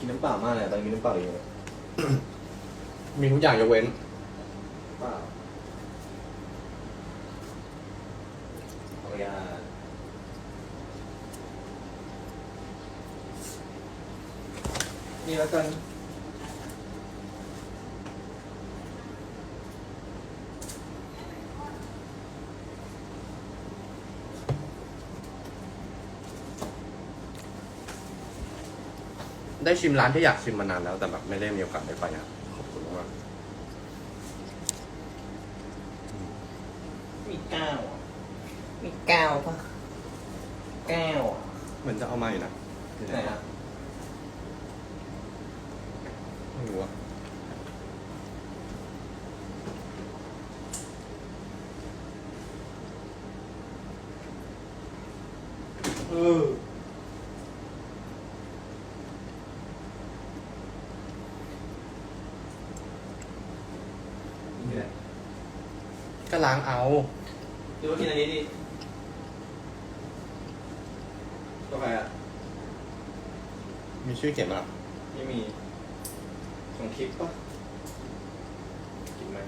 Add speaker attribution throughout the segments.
Speaker 1: น้ำเปล่ามากเลยตอนกินน้ำเปล่าอยู่เลย
Speaker 2: มีทุกอย่างยกเว้น
Speaker 1: เปล่าขออนุญาตนี่แล้วกัน
Speaker 2: ได้ชิมร้านที่อยากชิมมานานแล้วแต่แบบไม่ได้มีโอกาสได้ไปอ่ะขอบคุณมาก
Speaker 1: มีแก้วอ่ะมีแก้วปะแก้วอ่ะ
Speaker 2: เหมือนจะเอามาอยู่นะ
Speaker 1: ไหนอ่ะ
Speaker 2: ไม่รู้อ่ะ
Speaker 1: นี่แหละ
Speaker 2: ก็ล้างเอา
Speaker 1: หรือว่ากินอันนี้ดิกาแฟอ่ะ
Speaker 2: มีชื่อเขียนมาหรอ
Speaker 1: ไม่มีของทิปปะกินไหม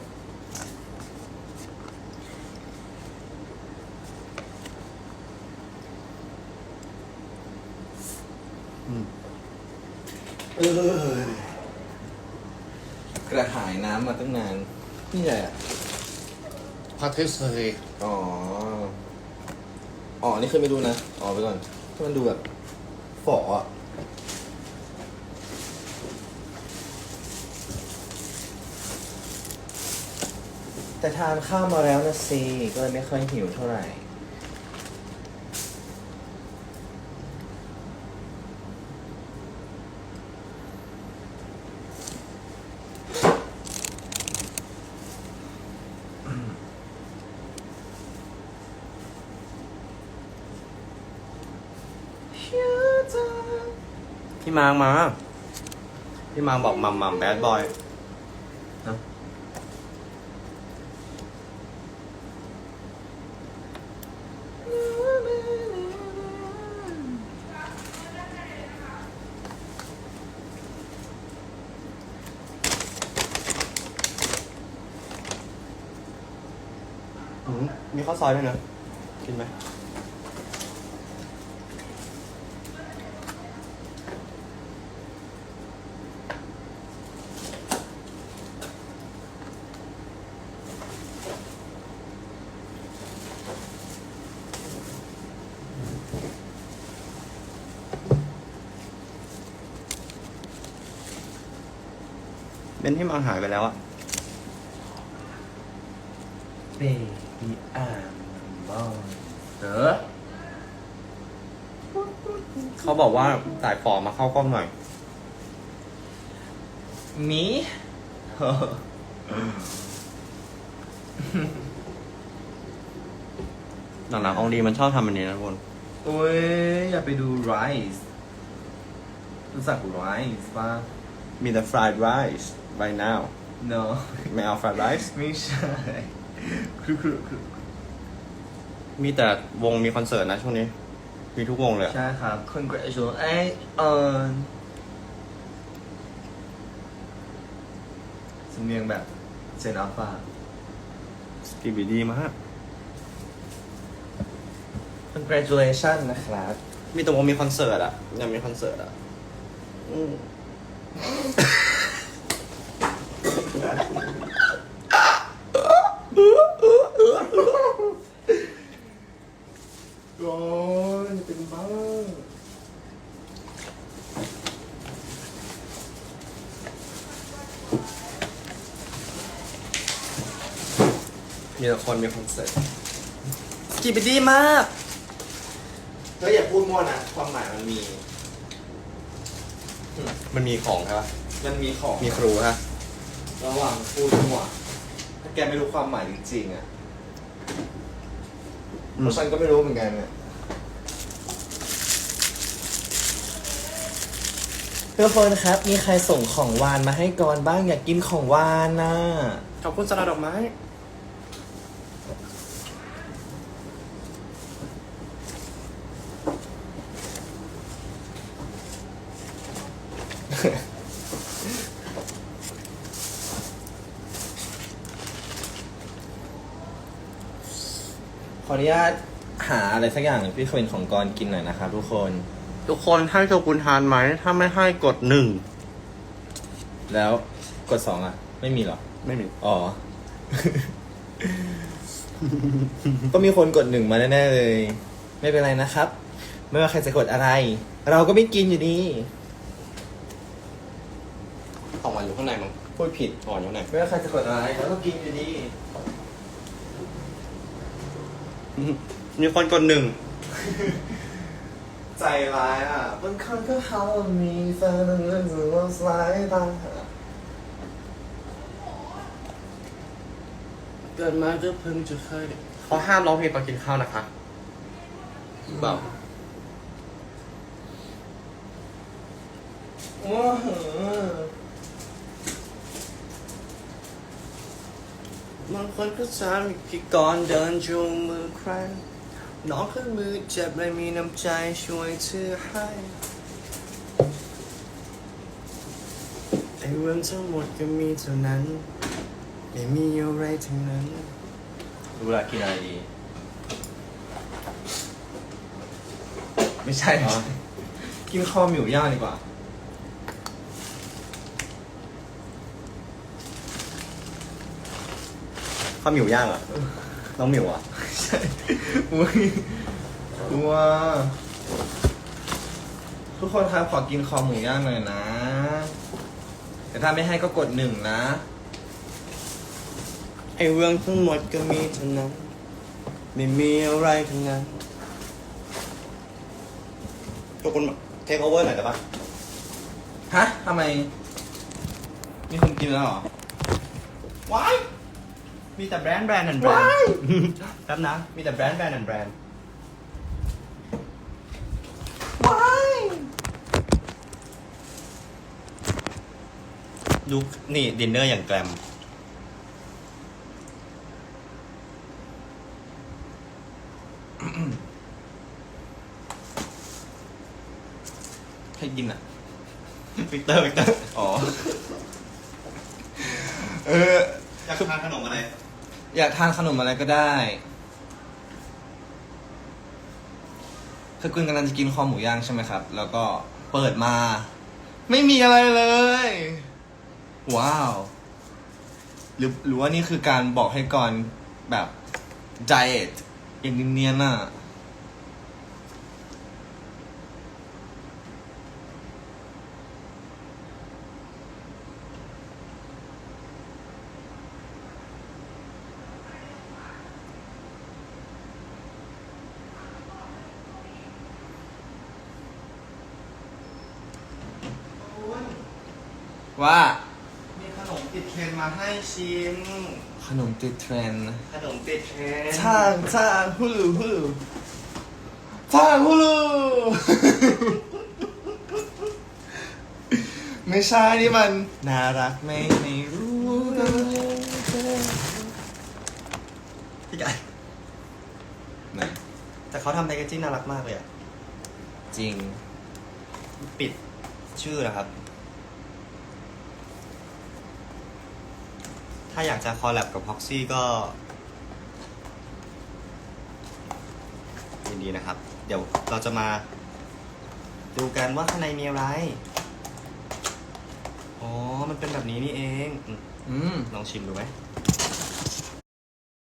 Speaker 1: กระหายน้ำมาตั้งนาน นี่ไงอ่ะ
Speaker 2: พาเทสเลย
Speaker 1: อ๋อ อ๋อ นี่เคยไม่รู้นะ อ๋อไปก่อนที่มันดูแบบฝ่ออ่ะ แต่ทานข้าวมาแล้วนะสิก็เลยไม่ค่อยหิวเท่าไหร่
Speaker 2: พี่มางมา พี่มางบอกมัมมัมแบดบอย
Speaker 1: ฮะ
Speaker 2: มีข้าวซอยด้วยนะกินไหมเบนที่มังหายไปแล้วอะ
Speaker 1: เบบี้อ่านบอลเด้อ
Speaker 2: เขาบอกว่าสายฝอมาเข้ากล้องหน่อย
Speaker 1: มี
Speaker 2: หลังๆอองดีมันชอบทำอันนี้นะทุกคน
Speaker 1: โอ้ย อย่าไปดู Rise รู้จัก Rise ป่ะ
Speaker 2: มีแต่ fried rice right now
Speaker 1: no
Speaker 2: ไม่เอา fried rice
Speaker 1: ไม่ใช่ คือ
Speaker 2: มีแต่วงมีคอนเสิร์ตนะช่วงนี้ มีทุกวงเลยอะ
Speaker 1: ใช่ครับ congratulations สำเนียงแบบเซนอัลฟา
Speaker 2: สกีบีดีมาก
Speaker 1: congratulations นะครับ
Speaker 2: มีแต่วงมีคอนเสิร์ตอะยังมีคอนเสิร์ตอะอืม
Speaker 1: โอ้ยเป็นบ้ามีแต่คนมีคอนเสิร์ต
Speaker 2: สกีบีดีมาก
Speaker 1: เธออย่าพูดมั่วนะ ความหมายมันมี
Speaker 2: มันมีของใช่ปะ
Speaker 1: มันมีของ
Speaker 2: มีครูฮะ
Speaker 1: ระหว่างพูดมั่ว ถ้าแกไม่รู้ความหมายจริงๆอ่ะเพราะฉันก็ไม่รู้เหมือนกันเนี่ยทุกคนครับ มีใครส่งของหวานมาให้กรบ้างอยากกินของหวานนะ
Speaker 2: ขอบคุณสลัดดอกไม้
Speaker 1: ขออนุญาตหาอะไรสักอย่างพี่เควินของกรกินหน่อยนะครับทุกคน
Speaker 2: ทุกคนให้โชกุนทานไหม ถ้าไม่ให้กดหนึ่ง
Speaker 1: แล้วกดสองอ่ะ ไม่มีเหรอ
Speaker 2: ไม่มี
Speaker 1: อ๋อ ก็มีคนกดหนึ่งมาแน่ๆเลย ไม่เป็นไรนะครับ ไม่ว่าใครจะกดอะไร เราก็ไม่กินอยู่ดี
Speaker 2: ของหวานอยู่ข้างในมั้ง
Speaker 1: พูดผิด
Speaker 2: ของหวานอยู่ข้างใน
Speaker 1: ไม่ว่าใครจะกดอะไรเราก็กินอยู่ดี
Speaker 2: มีคนกดหนึ่ง
Speaker 1: ใจร้ายอ่ะบางคนก็เขามีแฟนเรื่องสึกว่าสายตา
Speaker 2: เกิดมาก็เพิ่งจะเคยเขาห้ามร้องเพลงตอนกินข้าวนะคะเปล่า
Speaker 1: โอ้โห
Speaker 2: บางคนก็สามพี่ก่อนเดินจูงมือใครน้องขึ้นมือเจ็บเลยมีน้ำใจช่วยเธอให้ไอ้เรื่องทั้งหมดก็มีเท่านั้นไม่มีอะไรทั้งนั้น
Speaker 1: ดูเวลากินอะไรดี ไม่ใช่
Speaker 2: อ๋อ
Speaker 1: กินคอหมิวย่างดีกว่า
Speaker 2: ข้าวหมิวย่างเหรอ่ะน้องหมิวอ่ะ
Speaker 1: ใช่อุ้ยว้าทุกคนครับขอกินคอหมูย่างหน่อยนะ แต่ถ้าไม่ให้ก็กดหนึ่งนะ
Speaker 2: ไอ้เรื่องทั้งหมดก็มีเท่านั้นไม่มีอะไรทั้งนั้นทุกคนเทคโอเวอร์หน่อยได้ปะ
Speaker 1: ฮะทำไม มีคนกินแล้วเหรอ
Speaker 2: ว้ายมีแต่แบรนด์แบรนด์แบรนด์
Speaker 1: ว้าย
Speaker 2: แป๊บนะมีแต่แบรนด์แบรนด์แบรนด์
Speaker 1: ว้าย
Speaker 2: ดูนี่ดินเนอร์อย่างแกรม
Speaker 1: ใครกินอ่ะ
Speaker 2: วิกเตอร์
Speaker 1: อ๋อ เออ
Speaker 2: อยากทานขนมอะไร
Speaker 1: อยากทานขนมอะไรก็ได้ คือคุณกำลังจะกินคอหมูย่างใช่ไหมครับ แล้วก็เปิดมา ไม่มีอะไรเลย ว้าว หรือว่านี่คือการบอกให้ก่อนแบบไดเอทอย่างเนียนๆน่ะ ว่า
Speaker 2: มีขนมติดเทรนด์มาให้ชิม
Speaker 1: ขนมติดเทรนด์
Speaker 2: ขนมติดเทรนด์
Speaker 1: ช่างฮูลูช่างฮูลู ไม่ใช่นี่มันน่ารักไม่รู้กัน
Speaker 2: พี่ไก่
Speaker 1: ไหน
Speaker 2: แต่เขาทำแพคเกจจิ้งน่ารักมากเลยอ่ะ
Speaker 1: จริง
Speaker 2: ปิดชื่อนะครับ ถ้าอยากจะคอลแลบกับ Proxy ก็ยินดีนะครับ เดี๋ยวเราจะมาดูกันว่าข้างในมีอะไร อ๋อ มันเป็นแบบนี้นี่เอง
Speaker 1: อืม
Speaker 2: ลองชิมดูไหม